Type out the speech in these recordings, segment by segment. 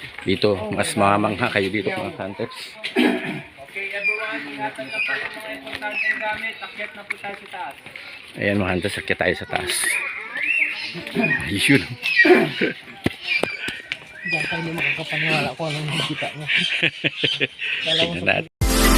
Dito, mas mamangha kayo dito mga hunters. Okay everyone, ingatan na po yung mga importanteng gamit. Akyat na po tayo sa taas. Ayan mga hunters, sakya tayo sa taas. Ayun. Diyan tayo hindi makakapaniwala kung anong nakikita niya. Tingnan natin.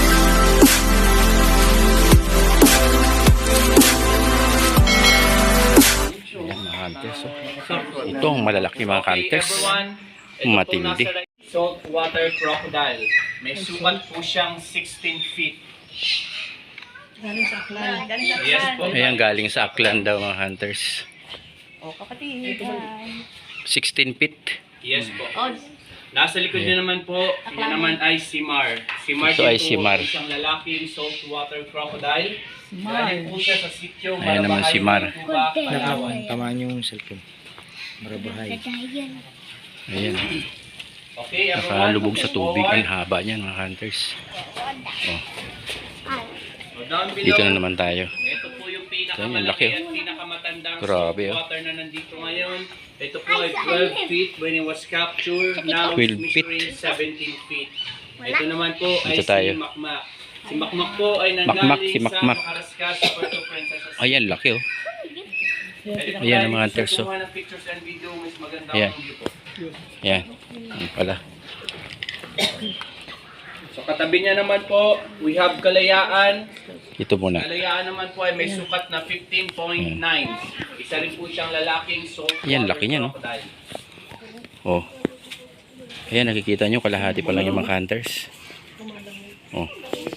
Ayan mga hunters. Ito ang malalaki mga hunters. Matindi. Saltwater crocodile. May sukat po siyang 16 feet. Galing sa aklan. Yes po. Ayan, galing sa Aklan daw mga hunters. O kapatid. 16 feet. Yes po. Nasa likod niya naman po, yun naman ay si Mar. Si Mar Ito ay si po, Mar. isang lalaking saltwater crocodile. Galing po siya sa sityo. Ayan naman si Mar. Tuba, Palawan. Tamaan yung cellphone. Marabahay. Ayan. Okay, everyone. Nakalubog sa move tubig. forward. Ang haba niyan mga hunters. Oh, So down below, dito na naman tayo. ito po yung Ayan, ang pinakamalaki laki, at pinakamatandang Grabe, oh. saltwater na nandito ngayon. Ito po ay 12 feet when it was captured. Now 12 it's feet. measuring 17 feet. Ito naman po ay Dito tayo. si Makmak. Si Makmak po ay Makmak, nanggaling si Makmak. sa Makaraskas, Puerto Princesa. Ayan, laki oh. Ayan ang mga hunters, oh. Kumuha ng pictures and video, mas maganda Ayan. ang view po. Ayan. Ayan pala. So katabi niya naman po, we have Kalayaan. Ito muna. Kalayaan naman po ay may sukat na 15.9. Isa rin po siyang lalaking saltwater Ayan, laki niya, no? crocodile. Oh. Ayan, nakikita nyo, kalahati pa lang yung mga hunters. Oh.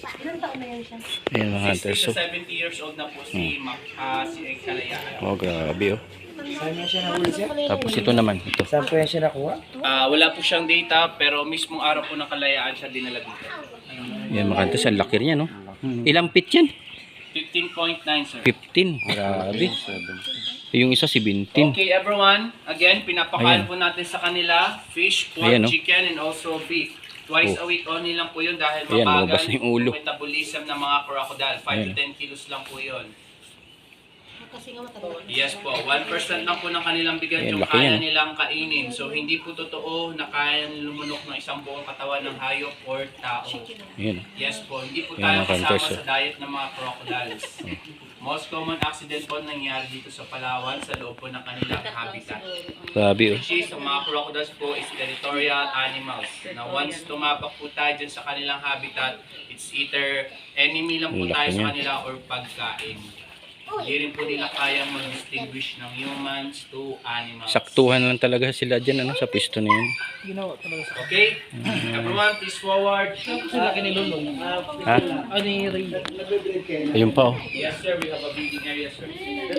Ayan mga hunters. 60 to Oh, 70 years old na po si Kalayaan. oh grabe oh. Saan mo siya nahuli siya? Tapos ito naman, ito. Saan po yan siya nakuha? Wala po siyang data pero mismong araw po ng Kalayaan siya dinala dito. Ayan mga hunters, ang laki niya no. Ilang feet yan? 15.9 sir. 15. Grabe. Yung isa 17. Okay everyone, again pinapakain Ayan. po natin sa kanila fish, pork, Ayan, no? chicken and also beef. Twice Oh. a week only lang po yun dahil Ayan, mabagal lumabas na yung ulo. metabolism ng mga crocodile. 5 to Ayan. 10 kilos lang po yun. Kasi nga matanda. Yes po, 1% lang po ng kanilang bigat Ayan, yung laki kaya yan. nilang kainin. So hindi po totoo na kaya lumunok ng isang buong katawan ng hayop or tao. Ayan oh. Yes po, hindi po Ayan, tayo mga kasama hunters, sa diet ng mga crocodiles. Most common accident po nangyari dito sa Palawan sa loob po ng kanilang habitat. Grabe oh. Which is, ang mga crocodiles po is territorial animals. Na once tumapak po tayo dyan sa kanilang habitat, it's either enemy lang po Ang laki tayo sa niya. kanila or pagkain. Hindi rin po nila kayang mag-distinguish ng humans to animals. Saktuhan lang talaga sila dyan ano, sa pisto na yun. Ginawa talaga sa Okay? Everyone, please forward. laki ni Lulong. Ha? Ano yung ring? Ayun pa oh. Yes sir, we have a breeding area sir.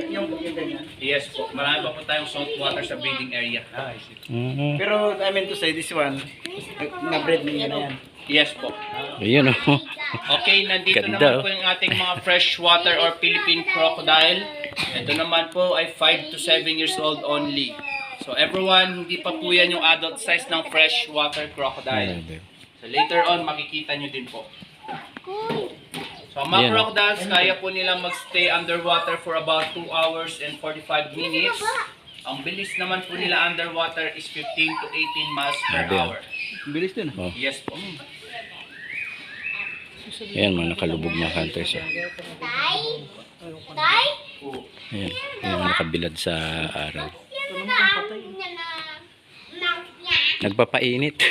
Yes po, marami pa po tayong salt water sa breeding area. Mhm. Pero I mean to say, this one, na-breed niya na yan. Yes po. Ayun oh. Okay, nandito naman Ganda, po yung ating mga freshwater or Philippine crocodile. Ito naman po ay 5 to 7 years old only. So everyone, hindi pa po yan yung adult size ng freshwater crocodile. So later on, makikita nyo din po. So ang mga Ayan, oh. crocodiles, kaya po nilang magstay underwater for about 2 hours and 45 minutes. Ang bilis naman po nila underwater is 15 to 18 miles per Grabe, hour. Bilis din. Oh. Yes po. Ayan mga nakalubog mga hunters oh. Ayan, yung nakabilad sa araw. Nagpapainit.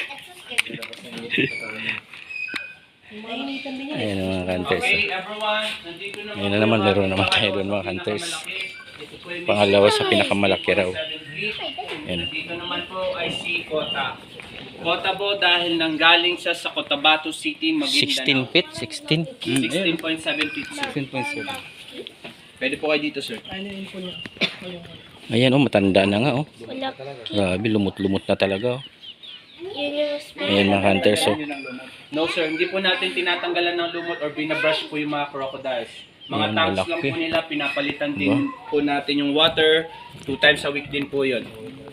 Nainitan din yan. Ayan mga hunters. Okay, everyone, nandito naman. Ngayon na naman, laro naman tayo doon mga hunters. Pangalawa sa pinakamalaki raw. Ayan. Dito naman po ay si Kota. Kota po dahil nanggaling siya sa Cotabato City, 16 Maguindanao. feet? 16? 16.7 feet, sir. 16.7. Pwede po kayo dito, sir. Ano yung info niya? Ayan oh, matanda na nga oh. Grabe, lumot-lumot na talaga oh. Ayan mga hunters oh. No, sir. Hindi po natin tinatanggalan ng lumot or binabrush po yung mga crocodiles. Mga Ayan, tanks lang malaki. po nila. Pinapalitan din po natin yung water. 2 times a week din po yun.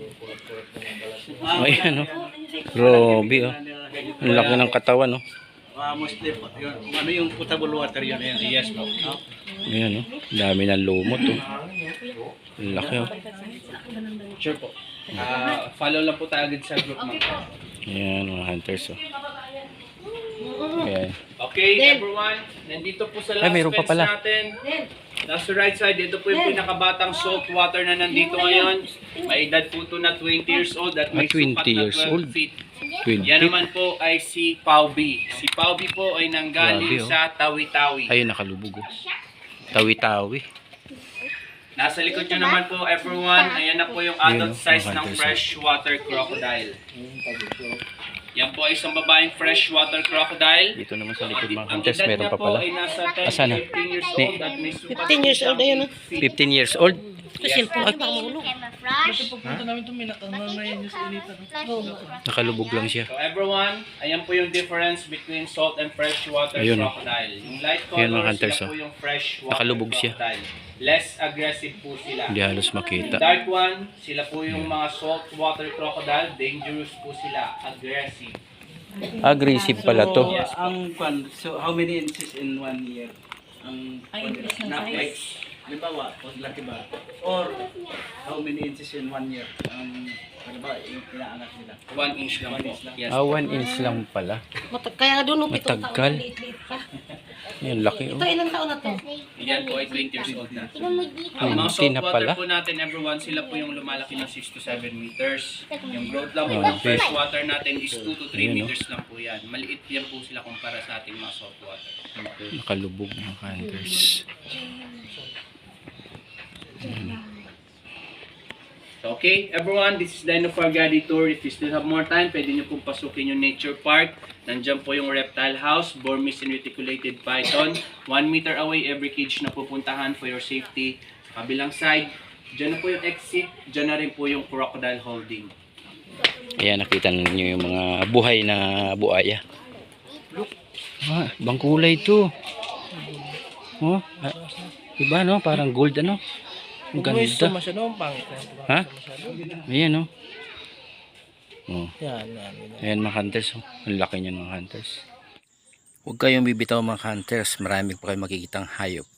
Ayan oh. Grabe oh. Ang laki ng katawan oh. Mostly, ano yung potable water yun? Yes po. Ayan oh. Dami ng lumot oh. Ang laki oh. Sure po. Follow lang po tayo agad sa group, ma'am. Ayan mga hunters. Oh. Ayan. Okay, everyone. Nandito po sa Ay, last meron pa fence pala. natin. Nasa right side, ito po yung pinakabatang saltwater na nandito ngayon. May edad po ito na 20 years old at may 20 sukat na years 12 old. feet. 20. Yan naman po ay si Paubi. Si Paubi po ay nanggaling Grabe, oh. sa Tawi-Tawi. Ayun, nakalubog. Oh. Tawi-tawi. Nasa likod nyo naman po, everyone. Ayan na po yung Ayun, adult oh, size mga ng hunters, freshwater crocodile. Yan po ay isang babaeng freshwater crocodile. Dito naman sa likod mga Ang hunters, edad meron niya pa po pala. ay nasa 10 Asan na? to 15 years old at may sukat 15 years old, ayun, ah. 15 years old. Yes, po. Pagpunta namin ito, may nakanganayan niyo sa initan. Nakalubog lang siya. So everyone, ayan po yung difference between salt and freshwater Ayun, oh. crocodile. Yung light Ayun, mga color, hunters, sila po oh. yung freshwater Nakalubog siya. crocodile. Less aggressive po sila. Hindi halos makita. Dark one, sila po yung mga saltwater crocodile. Dangerous po sila. Aggressive. Aggressive pala to. So how many inches in 1 year? Ay, increase ng Like, size. halimbawa, pag laki ba? Or how many inches in 1 year? Halimbawa, yung inaangat nila. 1 inch lang 1 po. inch lang. Yes. 1 inch lang pala. Kaya doon, no, 7 taon. Matagal. Liit-liit pa. Yan, laki Ito, oh. ilang taon na to? Yan po ay 20 years old na. Ay, Ang mga hindi na pala. saltwater po natin, everyone, sila po yung lumalaki ng 6 to 7 meters. Yung growth lang po Oh, ng okay. freshwater natin is 2 to 3 Ayan, oh. meters lang po yan. Maliit yan po sila kumpara sa ating mga saltwater. Nakalubog mga hunters. Okay, everyone, this is the end of our guided tour. If you still have more time, pwede nyo pong pasukin yung nature park. Nandiyan po yung reptile house, Burmese and reticulated python. 1 meter away every cage na pupuntahan for your safety. Sa kabilang side, dyan na po yung exit, dyan na rin po yung crocodile holding. Ayan, nakita ninyo yung mga buhay na buaya. Ah, ibang kulay ito. Oh, ah, iba no? Parang gold ano? Ang ganda. masyado, ang pangit na ito. Ha? Ayan no? Oh. Yan, yan. Ayan mga hunters. Oh. Ang laki niyan mga hunters. Huwag kayong bibitaw mga hunters. Marami pa kayong makikitang hayop.